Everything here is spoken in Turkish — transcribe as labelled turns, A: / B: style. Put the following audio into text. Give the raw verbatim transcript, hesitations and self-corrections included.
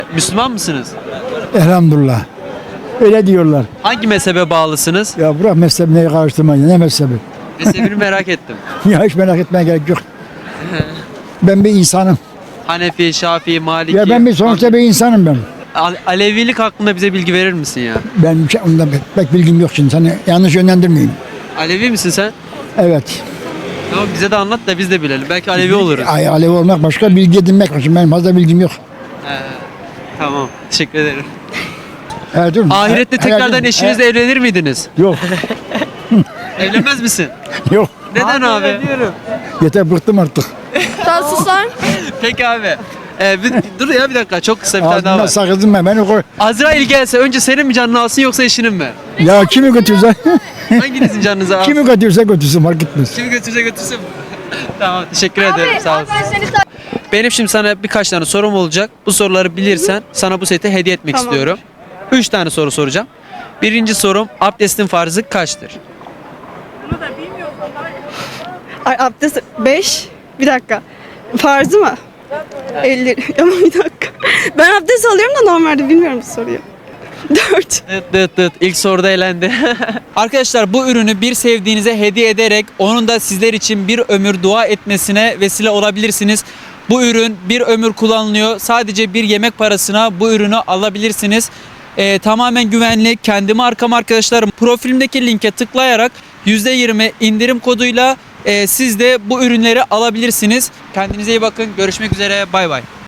A: Müslüman mısınız?
B: Elhamdülillah. Öyle diyorlar.
A: Hangi mezhebe bağlısınız?
B: Ya bırak mezhebine karıştırmayın. Ne mezhebi?
A: Mezhebini merak ettim.
B: Ya hiç merak etmeye gerek yok. Ben bir insanım.
A: Hanefi, Şafii, Maliki.
B: Ya ben bir sonuçta bir insanım ben.
A: Ale- Alevilik hakkında bize bilgi verir misin ya?
B: Ben bir şey, ondan pek, pek bilgim yok şimdi. Seni yanlış yönlendirmeyeyim.
A: Alevi misin sen?
B: Evet.
A: Tamam bize de anlat da biz de bilelim. Belki Alevi oluruz.
B: Ay, Alevi olmak başka, bilgi edinmek başka. Benim fazla bilgim yok.
A: He, tamam. Teşekkür ederim.
B: Evet, dur.
A: Ahirette
B: Evet,
A: tekrardan
B: evet.
A: eşinizle evlenir miydiniz?
B: Yok.
A: Evlenmez misin?
B: Yok.
A: Neden abi?
B: Yeter, bıktım artık.
C: Sen sus lan.
A: Peki abi. Ee, bir- dur ya bir dakika çok kısa bir tane daha
B: Ağzımdan
A: var.
B: sakızım ben. Beni koy.
A: Azrail gelse önce senin mi canını alsın yoksa eşinin mi?
B: Ya kimi götürse,
A: Hanginizin canınızı alsın?
B: kimi götürse götürsün, fark etmez.
A: Kimi götürse götürsün. Tamam teşekkür ederim sağ olasın.
C: Ben seni sa-
A: Benim şimdi sana birkaç tane sorum olacak. Bu soruları bilirsen sana bu seti hediye etmek
C: Tamam.
A: istiyorum. Üç tane soru soracağım. Birinci sorum abdestin farzı kaçtır?
C: Ay abdest beş. Bir dakika. Farzı mı? elli. Ama bir dakika. Ben abdest alıyorum da normalde bilmiyorum bu soruyu. dört.
A: Dıt dıt dıt. İlk soruda elendi. Arkadaşlar bu ürünü bir sevdiğinize hediye ederek onun da sizler için bir ömür dua etmesine vesile olabilirsiniz. Bu ürün bir ömür kullanılıyor. Sadece bir yemek parasına bu ürünü alabilirsiniz. Ee, tamamen güvenli. Kendi markam arkadaşlarım. Profilimdeki linke tıklayarak yüzde yirmi indirim koduyla e, siz de bu ürünleri alabilirsiniz. Kendinize iyi bakın. Görüşmek üzere. Bay bay.